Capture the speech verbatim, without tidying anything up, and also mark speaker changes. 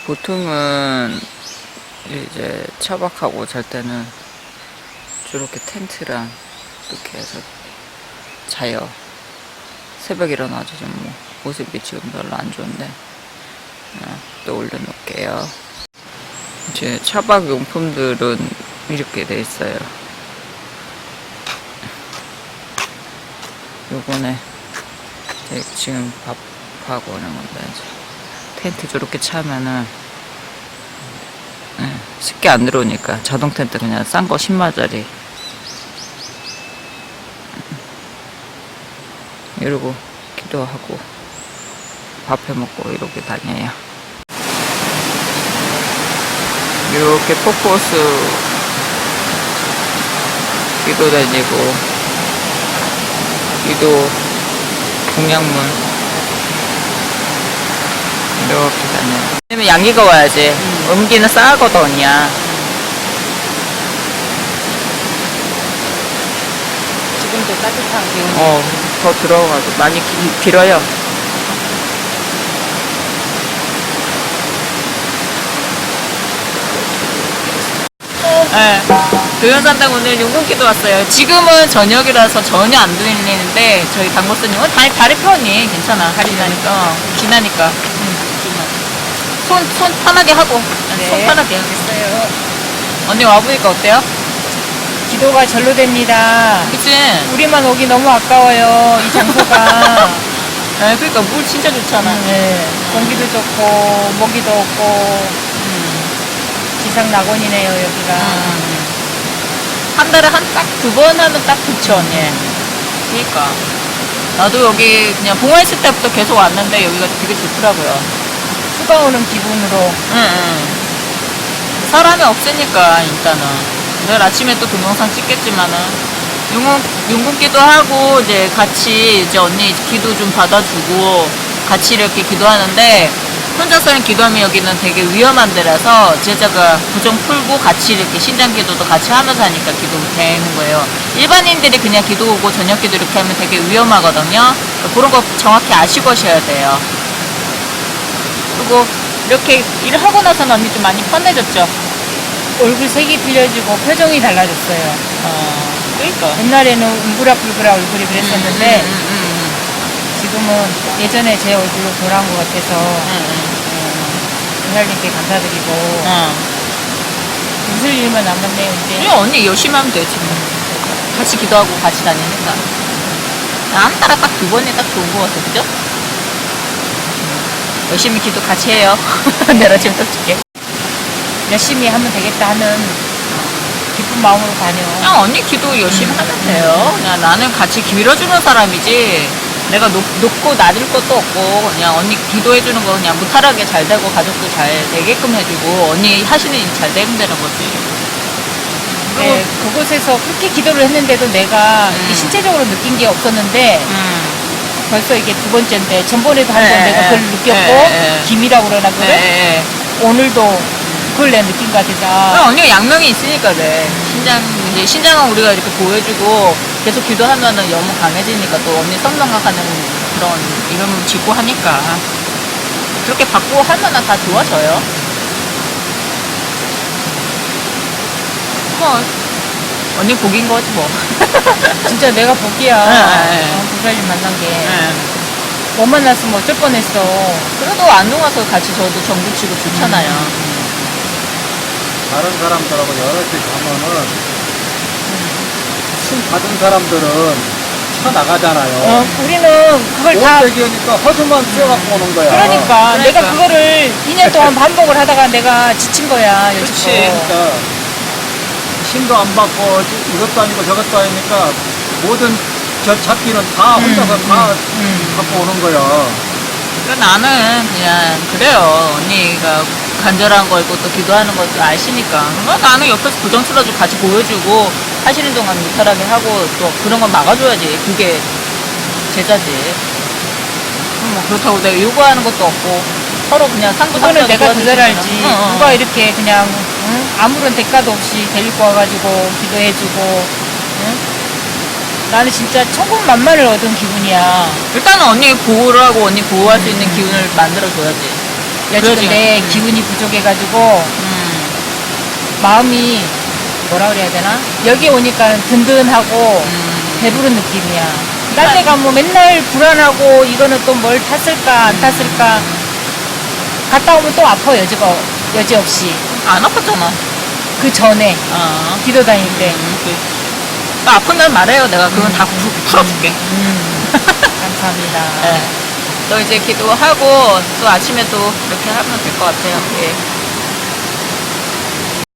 Speaker 1: 보통은 이제 차박하고 잘 때는 저렇게 텐트랑 이렇게 해서 자요. 새벽에 일어나서 좀 뭐 모습이 지금 별로 안 좋은데 어, 또 올려놓을게요. 제 차박 용품들은 이렇게 돼 있어요. 요거네 지금 밥하고 이런 건데 텐트 저렇게 차면은 네, 쉽게 안 들어오니까 자동 텐트 그냥 싼 거 십만짜리 이러고 기도하고 밥 해먹고 이렇게 다녀요. 이렇게 폭포수 기도 다니고 기도 동양문 이렇게 다녀요. 왜냐면 양기가 와야지. 음. 음기는 싸거든요.
Speaker 2: 지금도 따뜻한 기운.
Speaker 1: 어, 더 들어가고 많이 기, 길어요. 네. 교연산당 오늘 용궁기도 왔어요. 지금은 저녁이라서 전혀 안 들리는데 저희 당고스님은 다리, 다리 편이 괜찮아. 다리 나니까 기나니까. 응. 손, 손 편하게 하고.
Speaker 2: 네.
Speaker 1: 손 편하게.
Speaker 2: 알겠어요.
Speaker 1: 언니 와보니까 어때요?
Speaker 2: 기도가 절로 됩니다.
Speaker 1: 그치?
Speaker 2: 우리만 오기 너무 아까워요. 이 장소가.
Speaker 1: 네, 그러니까 물 진짜 좋잖아.
Speaker 2: 음, 네. 공기도 좋고 모기도 없고
Speaker 1: 음.
Speaker 2: 지상 낙원이네요 여기가.
Speaker 1: 음. 한 달에 한 딱 두 번 하면 딱 좋죠, 언니. 그니까. 나도 여기 그냥 봉화 있을 때부터 계속 왔는데 여기가 되게 좋더라고요.
Speaker 2: 휴가 오는 기분으로.
Speaker 1: 응, 응. 사람이 없으니까, 일단은. 내일 아침에 또 동영상 찍겠지만은, 용궁, 용궁기도 하고, 이제 같이, 이제 언니 기도 좀 받아주고, 같이 이렇게 기도하는데, 혼자서는 기도하면 여기는 되게 위험한 데라서, 제자가 부정 풀고 같이 이렇게 신장기도도 같이 하면서 하니까 기도 되는 거예요. 일반인들이 그냥 기도 오고 저녁 기도 이렇게 하면 되게 위험하거든요. 그런 거 정확히 아시고 하셔야 돼요. 그리고 이렇게 일을 하고 나서는 언니 좀 많이 편해졌죠?
Speaker 2: 얼굴 색이 틀려지고 표정이 달라졌어요.
Speaker 1: 어, 그러니까.
Speaker 2: 옛날에는 웅그락불그락 얼굴이 그랬었는데
Speaker 1: 음, 음, 음,
Speaker 2: 지금은 예전에 제 얼굴로 돌아온 것 같아서
Speaker 1: 음,
Speaker 2: 음, 하나님께 감사드리고
Speaker 1: 음. 어.
Speaker 2: 웃을 일만 남았네요 이제.
Speaker 1: 그냥 언니 열심히 하면 되지 뭐. 같이 기도하고 같이 다니니까. 한 달에 딱 두 번이 딱 좋은 것 같아, 그죠? 열심히 기도 같이 해요. 내가 지금 딱 줄게.
Speaker 2: 열심히 하면 되겠다 하는 기쁜 마음으로 다녀.
Speaker 1: 그냥 언니 기도 열심히
Speaker 2: 음.
Speaker 1: 하면 돼요. 그냥 나는 같이 밀어주는 사람이지. 내가 높, 높고 낮을 것도 없고 그냥 언니 기도해주는 거 그냥 무탈하게 잘 되고 가족도 잘 되게끔 해주고 언니 하시는 일 잘 되면 되는 거지.
Speaker 2: 네, 그곳에서 그렇게 기도를 했는데도 내가
Speaker 1: 음.
Speaker 2: 이게 신체적으로 느낀 게 없었는데
Speaker 1: 음.
Speaker 2: 벌써 이게 두 번째인데 전번에도 한 번
Speaker 1: 네,
Speaker 2: 내가 그걸
Speaker 1: 네,
Speaker 2: 느꼈고
Speaker 1: 네,
Speaker 2: 김이라고 그러나 그래?
Speaker 1: 네.
Speaker 2: 오늘도 그걸 내가 느낀 것 같아서
Speaker 1: 그럼 언니가 양명이 있으니까 그래. 신장, 이제 신장은 우리가 이렇게 보여주고 계속 기도하면은 너무 강해지니까 또 언니 성장각하는 그런 이름을 짓고 하니까. 그렇게 받고 하면은 다 좋아져요. 뭐, 언니 복인 거지 뭐.
Speaker 2: 진짜 내가 복이야.
Speaker 1: 네, 네, 네.
Speaker 2: 어, 부사님 만난 게.
Speaker 1: 네.
Speaker 2: 못 만났으면 어쩔 뻔했어.
Speaker 1: 그래도 안녕 와서 같이 저도 정부 치고 좋잖아요.
Speaker 2: 음.
Speaker 3: 다른 사람들하고 여러 개 가면은 신 받은 사람들은 쳐나가잖아요.
Speaker 2: 어, 우리는 그걸 다
Speaker 3: 못되기니까 허수만 씌워갖고 오는 거야.
Speaker 2: 그러니까,
Speaker 1: 그러니까.
Speaker 2: 내가 그거를 이 년 동안 반복을 하다가 내가 지친 거야.
Speaker 1: 그치.
Speaker 2: 여지껏.
Speaker 3: 그러니까 신도 안 받고 이것도 아니고 저것도 아니니까 모든 저 잡기는 다 혼자서
Speaker 2: 음,
Speaker 3: 다
Speaker 2: 음.
Speaker 3: 갖고 오는 거야.
Speaker 1: 그러니까 나는 그냥 그래요. 언니가 간절한 거 있고 또 기도하는 것도 아시니까. 그러면 나는 옆에서 부정 틀어주고 같이 보여주고 하시는 동안 무탈하게 하고 또 그런 건 막아줘야지. 그게 제자지. 뭐 그렇다고 내가 요구하는 것도 없고 서로 그냥 상부
Speaker 2: 그거는 내가 더 잘 알지.
Speaker 1: 응, 응.
Speaker 2: 누가 이렇게 그냥 응? 아무런 대가도 없이 데리고 와가지고 기도해주고 응? 나는 진짜 천국만만을 얻은 기분이야.
Speaker 1: 일단은 언니 보호를 하고 언니 보호할 수 있는 기운을 만들어줘야지.
Speaker 2: 여지도
Speaker 1: 그러지.
Speaker 2: 내
Speaker 1: 음.
Speaker 2: 기운이 부족해가지고
Speaker 1: 음.
Speaker 2: 마음이 뭐라 그래야 되나? 여기 오니까 든든하고
Speaker 1: 음.
Speaker 2: 배부른 느낌이야. 딴 데 가면 맨날 불안하고 이거는 또 뭘 탔을까 안 탔을까 갔다 오면 또 아파 여지가 여지 없이
Speaker 1: 안 아팠잖아.
Speaker 2: 그 전에
Speaker 1: 어.
Speaker 2: 기도 다닐 때
Speaker 1: 음, 그- 또 아픈 날 말해요. 내가 그건 다 풀, 풀어줄게.
Speaker 2: 음, 감사합니다.
Speaker 1: 네. 또 이제 기도하고 또 아침에 또 이렇게 하면 될 것 같아요. 예.